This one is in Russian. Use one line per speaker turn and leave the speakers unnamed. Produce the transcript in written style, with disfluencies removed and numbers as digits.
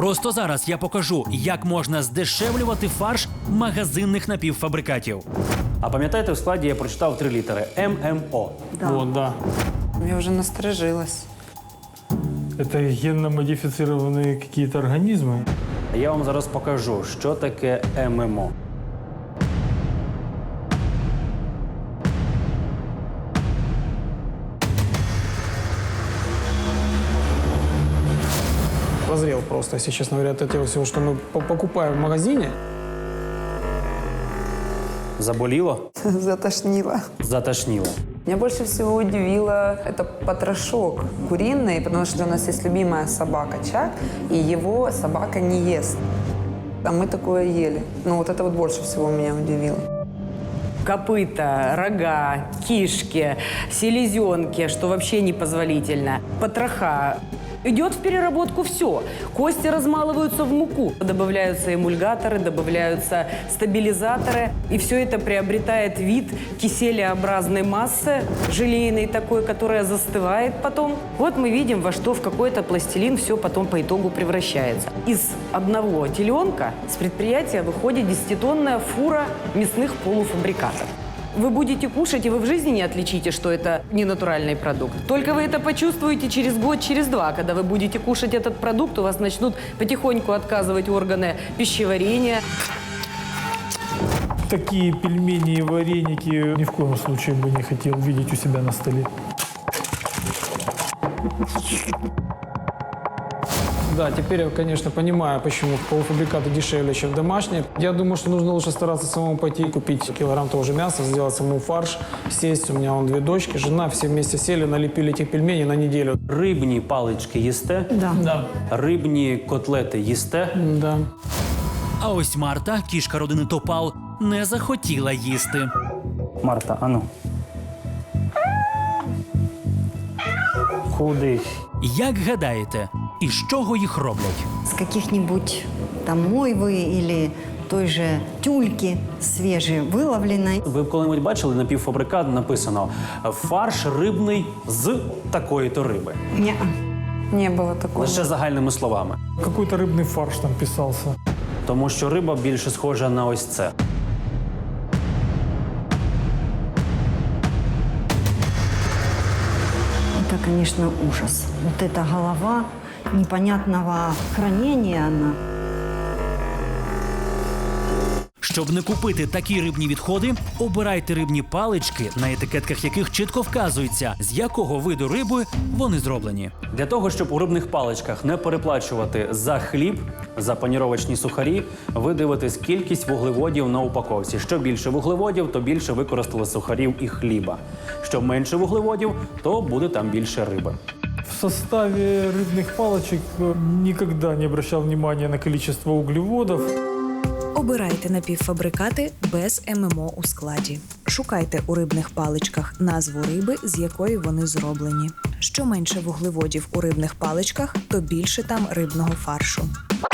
Просто зараз я покажу, як можна здешевлювати фарш магазинних напівфабрикатів. А пам'ятаєте, в складі я прочитав 3 літери – ММО.
Да.
Вот, да.
Я уже насторожилась.
Это генно-модифицированные какие-то организмы.
Я вам зараз покажу, що таке ММО.
Прозрел просто, если честно говоря, от этого всего, что мы покупаем в магазине.
Заболіло?
Затошнило.
Затошніло.
Меня больше всего удивило это потрошок куриный, потому что у нас есть любимая собака Чак, и его собака не ест. А мы такое ели. Ну вот это вот больше всего меня удивило.
Копыта, рога, кишки, селезенки, что вообще непозволительно, потроха. Идет в переработку все. Кости размалываются в муку. Добавляются эмульгаторы, добавляются стабилизаторы. И все это приобретает вид киселеобразной массы, желейной такой, которая застывает потом. Вот мы видим, во что в какой-то пластилин все потом по итогу превращается. Из одного теленка с предприятия выходит 10-тонная фура мясных полуфабрикатов. Вы будете кушать, и вы в жизни не отличите, что это не натуральный продукт. Только вы это почувствуете через год, через два. Когда вы будете кушать этот продукт, у вас начнут потихоньку отказывать органы пищеварения.
Такие пельмени и вареники ни в коем случае бы не хотел видеть у себя на столе. Да, теперь я, конечно, понимаю, почему полуфабрикаты дешевле, чем домашние. Я думаю, что нужно лучше стараться самому пойти и купить килограмм того же мяса, сделать самому фарш, сесть. У меня вон 2 дочки, жена, все вместе сели, налепили этих пельменей на неделю.
Рибні палички їсте?
Да.
Рибні котлети їсте?
Да.
А ось Марта, кішка родини Топал, не захотіла їсти. Марта, ану. Куди? Як гадаєте, із чого їх роблять?
С каких-нибудь там мойвы или той же тюльки свежевыловленной.
Ви коли-небудь бачили напівфабрикат, написано «фарш рибний з такої-то риби».
Неа.
Не было такого.
Лише загальними словами.
Какой-то рыбный фарш там писался.
Тому що риба більше схожа на ось це.
Это, конечно, ужас. Вот эта голова непонятного хранения она.
Щоб не купити такі рибні відходи, обирайте рибні палички, на етикетках яких чітко вказується, з якого виду риби вони зроблені. Для того, щоб у рибних паличках не переплачувати за хліб, за паніровочні сухарі, ви дивитесь кількість вуглеводів на упаковці. Що більше вуглеводів, то більше використали сухарів і хліба. Що менше вуглеводів, то буде там більше риби.
В составе рыбных палочек никогда не обращал внимания на количество углеводов.
Обирайте напівфабрикати без ММО у складі. Шукайте у рибних паличках назву риби, з якої вони зроблені. Що менше вуглеводів у рибних паличках, то більше там рибного фаршу.